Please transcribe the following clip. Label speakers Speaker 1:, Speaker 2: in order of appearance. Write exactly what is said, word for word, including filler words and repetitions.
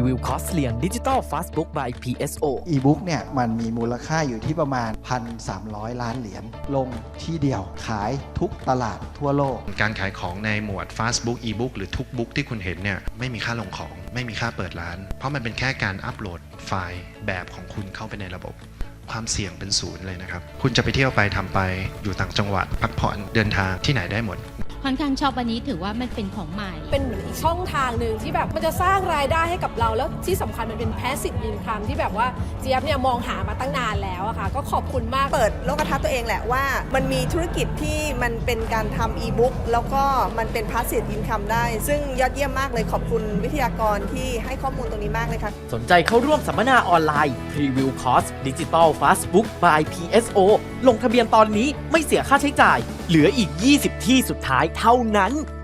Speaker 1: วิวคอร์สเรียน Digital Fastbook by พี เอส โอ
Speaker 2: อีบุ๊กเนี่ยมันมีมูลค่าอยู่ที่ประมาณ หนึ่งพันสามร้อย ล้านเหรียญลงที่เดียวขายทุกตลาดทั่วโลก
Speaker 3: การขายของในหมวด Fastbook e-book หรือทุกบุ๊กที่คุณเห็นเนี่ยไม่มีค่าลงของไม่มีค่าเปิดร้านเพราะมันเป็นแค่การอัปโหลดไฟล์แบบของคุณเข้าไปในระบบความเสี่ยงเป็นศูนย์เลยนะครับคุณจะไปเที่ยวไปทำไปอยู่ต่างจังหวัดพักผ่อนเดินทางที่ไหนได้หมด
Speaker 4: ค่อนข้างชอบอันนี้ถือว่ามันเป็นของใหม่
Speaker 5: เป็นเหมือนอีกช่องทางหนึ่งที่แบบมันจะสร้างรายได้ให้กับเราแล้วที่สำคัญมันเป็น passive income ที่แบบว่าเจี๊ยบเนี่ยมองหามาตั้งนานแล้วอะค่ะก็ขอบคุณมาก
Speaker 6: เปิดโลกทัศน์ตัวเองแหละว่ามันมีธุรกิจที่มันเป็นการทำอีบุ๊กแล้วก็มันเป็น passive income ได้ซึ่งยอดเยี่ยมมากเลยขอบคุณวิทยากรที่ให้ข้อมูลตรงนี้มากเลยค่ะ
Speaker 1: สนใจเข้าร่วมสัมมนาออนไลน์ Preview Course Digital Fastbook by พี เอส โอ ลงทะเบียนตอนนี้ไม่เสียค่าใช้จ่ายเหลืออีกยี่สิบที่สุดท้ายเท่านั้น